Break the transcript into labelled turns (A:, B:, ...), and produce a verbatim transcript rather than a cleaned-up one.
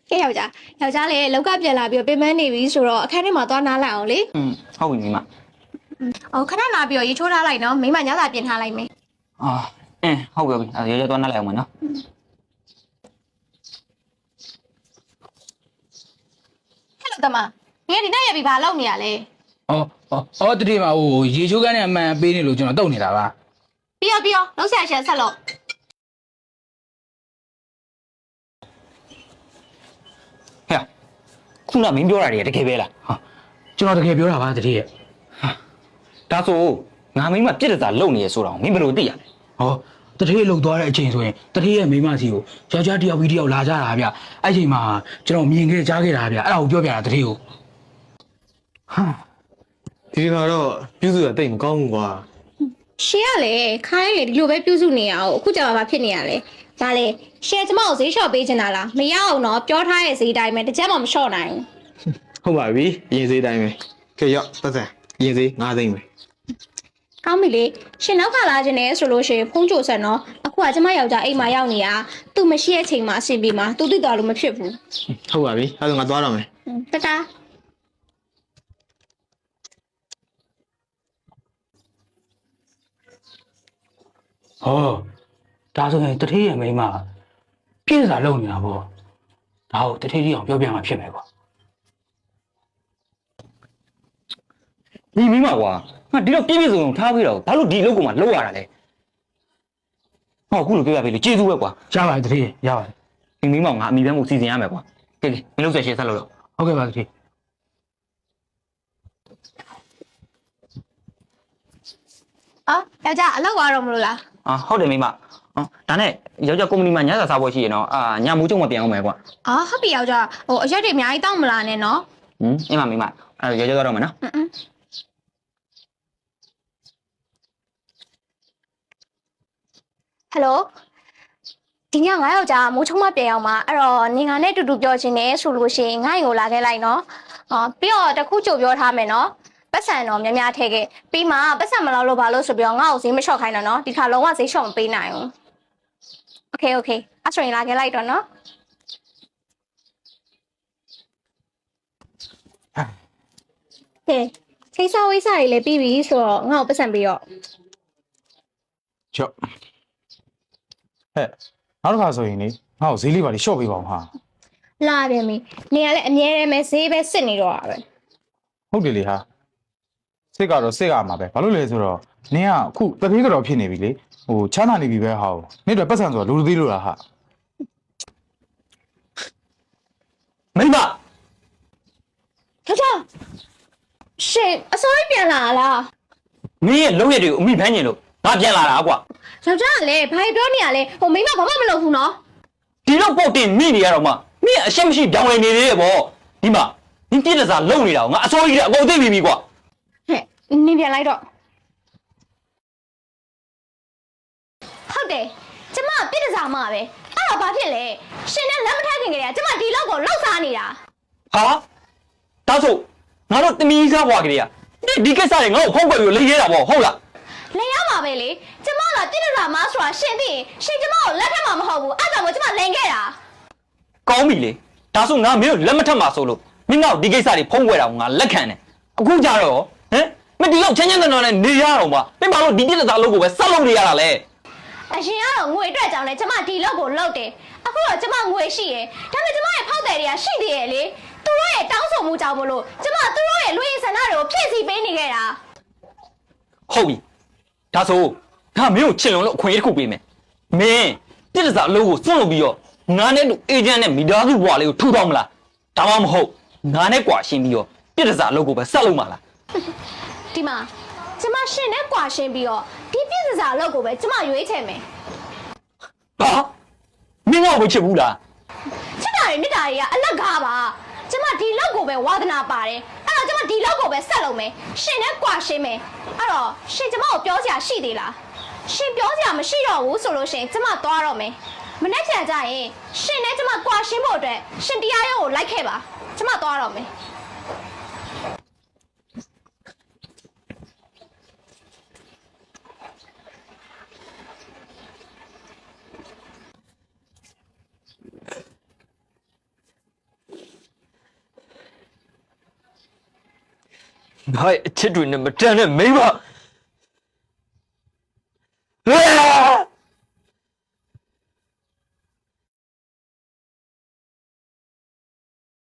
A: ကဲယောက်ျားယောက်ျားလည်းလောက်ကပြန်လာပြီးပြင်ပန်းနေပြီဆိုတော့အခန်းထဲမှာသွားနားလိုက်အောင်လေ
B: อืมဟုတ်ပြီမိမ
A: အော်ခဏနားပြီးတော့ရေချိုးထားလိုက်နော်မိမညစာပြင်ထားလိုက်မယ်
B: အာအင်းဟုတ်ပြီအဲ့ရေရေသွားနားလိုက်အောင်မနော်
A: ဟဲ့လို့တမငါဒီနေ့ရပြီဘာလုပ်နေရလဲ
C: ဩဩဩတတိမဟိုရေချိုးကန်းနဲ့အမှန်ပေးနေလို့ကျွန်တော်တုတ်နေတာပါ
A: ပြီးရောပြီးရောလုံးဆရာရှင်ဆက်လို့
B: ဟဲ့ခုနမင်းပြောတာတွေတကယ်ပဲလား
C: ဟာကျွန်တော်တကယ်ပြောတာပါတတိရဲ့
B: ဒါဆိုငါမင်းမပြစ်တစားလုံနေရဆိုတော့မင်းဘယ်လိုသိရလဲ
C: ဟောတတိလှုပ်သွားတဲ့အချိန်ဆိုရင်တတိရဲ့မိမစီကိုယောက်ျားတယောက်ပြီးတယောက်လာကြတာဗျအဲ့ချိန်မှာကျွန်တော်မြင်ခဲ့ကြားခဲ့တာဗျအဲ့ဒါကိုပြောပြတာတတိကို
D: ဟာဒီကတော့ပြုစုရတိတ်မကောင်းဘူးကွာ
A: ရှင်ကလေခိုင်းလေဒီလိုပဲပြုစုနေရအောင်အခုကြာမှာဖြစ်နေရလေဒါလေရှင်ကျမကိုဈေးလျှော့ပေးချင်တာလားမရအောင်တော့ပြောထားရဲ့ဈေးတိုင်းပဲတစ်ချက်မှမလျှော့နိုင်
D: ဘူးဟုတ်ပါပြီရင်ဈေးတိုင်းပဲကဲရောက်ပတ်စံရင်ဈေး၅သိန်းပဲ
A: ကောင်းပြီလေရှင်နောက်ကလာခြင်းနဲ့ဆိုလို့ရှိရင်ဖုန်းကြိုဆက်နော်အခုကကျမယောက်ျားအိမ်မှာရောက်နေတာသူမရှိတဲ့အချိန်မှာအဆင်ပြေမှာသူသိတော်လို့မဖြစ်ဘူး
D: ဟုတ်ပါပြီအဲ့ဒါငါသွားတော့မယ်
A: တတာ
C: ဟောဒါဆိုရင်တတိရဲ့မိမပြည့်စားလုံနေတာပေါ့ဒါကိုတတိတိအောင်ပြောပြမှာဖြစ်မယ်ကွာ
B: ဒီမင်းမကွာငါဒီတော့ပြည့်ပြည့်စုံစုံထားပြီးတော့ဘာလို့ဒီလုပ်ကိုမှလောက်ရတာလဲဟောအခုလိုပြောရပြီလေကျေးဇူးပဲကွာ
C: ရပါတယ်တတိရဲ့ရပါတယ်
B: ဒီမင်းမငါအမိပန်းမှုစီစဉ်ရမယ်ကွာကဲကဲမင်းလုပ်ဆက်ရှင်းဆက်လို့တော့
C: ဟုတ်ကဲ့ပါတတိ
A: အော်ယောက်ျားအလုပ်သွားတော့မလို့လား
B: အာဟုတ်တယ်မိမဟောဒါနဲ့ယောက်ျားကုမ္ပဏီမှာညစာစားပွဲရှိရနော်အာညမူးကျုံမပြန်အောင်မယ်ကွာ
A: အော်ဟုတ်ပြီယောက်ျားဟိုအရက်တွေအများကြီးတောက်မလာနဲ့နော်
B: ဟင်းအင်းမမိမအဲ့ယောက်ျားသွားတော့မယ်နော်
A: အင်းအင်းဟယ်လိုဒီညငါယောက်ျားမိုးချုံမပြန်အောင်ပါအဲ့တော့နေငါနဲ့တူတူပြောချင်တယ်ဆိုလို့ရှိရင်ငါ့ရင်ကိုလာခဲ့လိုက်နော်အော်ပြီးတော့တခုကြိုပြောထားမယ်နော်ပတ်စံတော့များများထည့်ခဲ့ပြီးမှပတ်စံမလောက်လို့ဘာလို့ဆိုပြီးတော့ငါ့ကိုဈေးမလျှော့ခိုင်းတော့နော်ဒီခါလုံးဝဈေးလျှော့မပေးနိုင်ဘူးโอเคโอเคအဲ့ဆိုရင်လာခဲ့လိုက်တော့နော်ကဲခိစားဝိစားတွေလည်းပြီးပြီဆိုတော့ငါ့ကိုပတ်စံပေးတော့
D: ချော့ဟဲ့နောက်တစ်ခါဆိုရင်လေငါ့ကိုဈေးလေးပါလေးရှော့ပေးပါအောင်ဟာ
A: လာပြန်ပြီနေရလဲအမြဲတမ်းပဲဈေးပဲစစ်နေတော့တာပဲ
D: ဟုတ်တယ်လေဟာစစ်ကတော့စစ်ရမှာပဲဘာလို့လဲဆိုတော့နင်းကအခုတတိကတော့ဖြစ်နေပြီလေဟိုချမ်းသာနေပြီပဲဟာနေ့တော့ပတ်စံဆိုတော့လူလူသေးလို့လားဟာ
B: မိမ
A: ထထရှင်အစိုးရပြန်လာလား
B: မင်းရဲ့လုပ်ရတွေကိုအမိဖမ်းနေလို့ငါပြန်လာတာကွာ
A: ယောက်ျားကလည်းဘာပြောနေရလဲဟိုမိမဘာမှမလုပ်ဘူးနော်
B: ဒီတော့ပုတ်တင်မိနေရတော့မှမင်းအရှက်မရှိပြောင်းလဲနေသေးတယ်ဗောဒီမှာနင်းပြည့်တစားလုံနေတာကိုငါအစိုးရကြီးကအကုန်သိပြီပြီကွာ
A: ဟဲ့နင်းပြန်လိုက်တော့ဟုတ်တယ်ကျမပြည့်တစားမှာပဲအဲ့တော့ဘာဖြစ်လဲရှင်နဲ့လက်မထက်ခင်ကလေးကကျမဒီလောက်ကိုလှုပ်စားနေတာ
B: ဟာဒါဆိုငါတို့တမီးစားဘွားကလေးကဒီကိစ္စတွေငါ့ကိုဖုံးကွယ်ပြီးလိမ့်ရဲတာဗောဟုတ်လား
A: လိမ့်ရမှာပဲလေကျမကပြည့်တစားမှာဆိုတာရှင်သိရင်ရှင်ကျမကိုလက်ထက်မှာမဟုတ်ဘူးအဲ့ဒါကြောင့်ကျမလိန်ခဲ့တာ
B: ကောင်းပြီလေဒါဆိုငါမင်းတို့လက်မထက်မှာဆိုလို့မင်းငါ့ကိုဒီကိစ္စတွေဖုံးကွယ်တာကိုငါလက်ခံတယ်အခုကြတော့ဟမ်မင်းဒီလောက်ချမ်းချမ်းသာသာနဲ့နေရတော့မှမင်းဘာလို့ဒီပြည့်တစားလုပ်ကိုပဲဆက်လုပ်နေရတာလဲ
A: အရင်ကတော့ငွေအတွက်ကြောင့်လဲကျမဒီလောက်ကိုလောက်တယ်အခုတော့ကျမငွေရှိရယ်ဒါပေမဲ့ကျမရဲ့ဖောက်တယ်တွေကရှိသေးရဲ့လေသူတို့ရဲ့တောင်းဆိုမှုကြောင့်မလို့ကျမသူတို့ရဲ့လူရင်းဆန္ဒတွေကိုဖြည့်ဆည်းပေးနေခဲ့တာ
B: ဟုတ်ပြီဒါဆိုငါမင်းကိုချစ်လွန်လို့အခွင့်အရေးတစ်ခုပေးမယ်မင်းပြည့်တစားအလုပ်ကိုစွန့်လုပ်ပြီးတော့ငါနဲ့တူအေဂျင့်နဲ့မိသားစုဘွားလေးကိုထူထောင်မလားဒါမှမဟုတ်ငါနဲ့ကွာရှင်းပြီးတော့ပြည့်တစားအလုပ်ကိုပဲဆက်လုပ်မှာလား
A: ဒီမှာကျမရှင်နဲ့ကွာရှင်းပြီးတော့ဒီပြည့်တစားအလုပ်ကိုပဲကျမရွေးချယ်မယ်
B: ဟာမင်းငါ့ကိုချစ်ဘူးလား
A: ချစ်တာတွေမြတ်တာတွေကအလကားပါကျမဒီလောက်ကိုပဲဝါသနာပါတယ်အဲ့တော့ကျမဒီလောက်ကိုပဲဆက်လုပ်မယ်ရှင်နဲ့ကွာရှင်းမယ်အဲ့တော့ရှင်ကျမကိုပြောစရာရှိသေးလားရှင်ပြောစရာမရှိတော့ဘူးဆိုလို့ရှင်ကျမသွားတော့မယ်မနေ့ပြန်ကြရင်ရှင်နဲ့ကျမကွာရှင်းဖို့အတွက်ရှင်တရားရုံးကိုလိုက်ခဲ့ပါကျမသွားတော့မယ်
B: ငါ့ရဲ့အချစ်တွေနဲ့မတန်တဲ့မိန်းမ